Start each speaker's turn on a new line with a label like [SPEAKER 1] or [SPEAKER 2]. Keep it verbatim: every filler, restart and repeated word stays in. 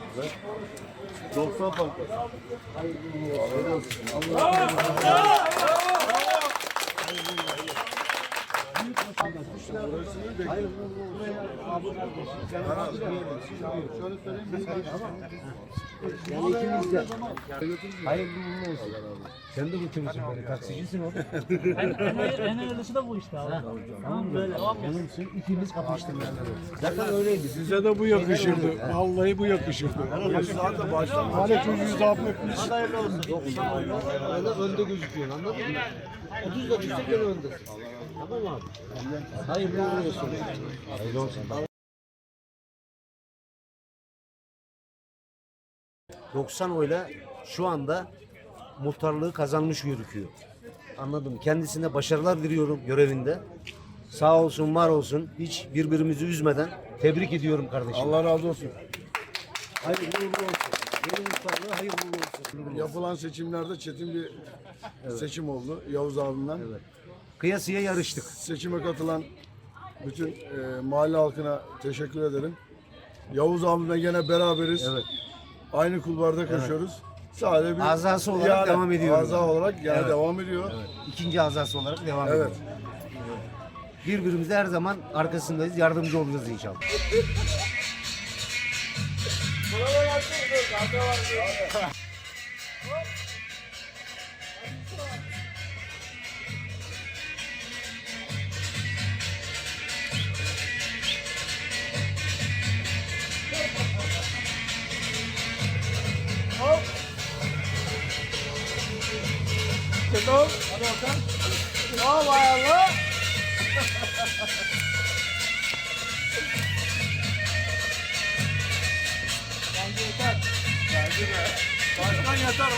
[SPEAKER 1] doksan fark var.
[SPEAKER 2] Yani ikimiz de. Hayırlı uğurlu olsun. Sen de götürürsün beni. Taksicisin oğlum.
[SPEAKER 3] En, en, en hayırlısı da bu işte abi. Tamam böyle.
[SPEAKER 2] Yanımsın. İkimiz kapıştık. Zaten öyleydi.
[SPEAKER 4] Size de bu yakışırdı. Vallahi bu yakışırdı.
[SPEAKER 1] Zaten baştan
[SPEAKER 4] Hani çocuğu zapt etmiş.
[SPEAKER 2] Öyle önde gözüküyorsun, anladın mı? otuz da düşse gene öndesin. Tamam abi. Hayırlı uğurlu olsun. Hayırlı olsun. doksan oyla şu anda muhtarlığı kazanmış gözüküyor. Anladım. Kendisine başarılar diliyorum görevinde. Sağ olsun, var olsun. Hiç birbirimizi üzmeden tebrik ediyorum kardeşim.
[SPEAKER 1] Allah razı olsun.
[SPEAKER 2] Hayırlı uğurlu olsun. Yeni muhtarlığı hayırlı uğurlu olsun.
[SPEAKER 1] Yapılan seçimlerde çetin bir seçim oldu Yavuz abimden.
[SPEAKER 2] Evet. Kıyasıya yarıştık.
[SPEAKER 1] Seçime katılan bütün e, mahalle halkına teşekkür ederim. Yavuz abimle gene beraberiz.
[SPEAKER 2] Evet.
[SPEAKER 1] Aynı kulvarda koşuyoruz. Sadece bir
[SPEAKER 2] Azası olarak devam ediyorum.
[SPEAKER 1] Aza olarak gene
[SPEAKER 2] Evet.
[SPEAKER 1] devam ediyor.
[SPEAKER 2] Evet. İkinci azası olarak devam
[SPEAKER 1] Evet.
[SPEAKER 2] ediyoruz. Birbirimize her zaman arkasındayız. Yardımcı olacağız inşallah.
[SPEAKER 1] Başkan yeter.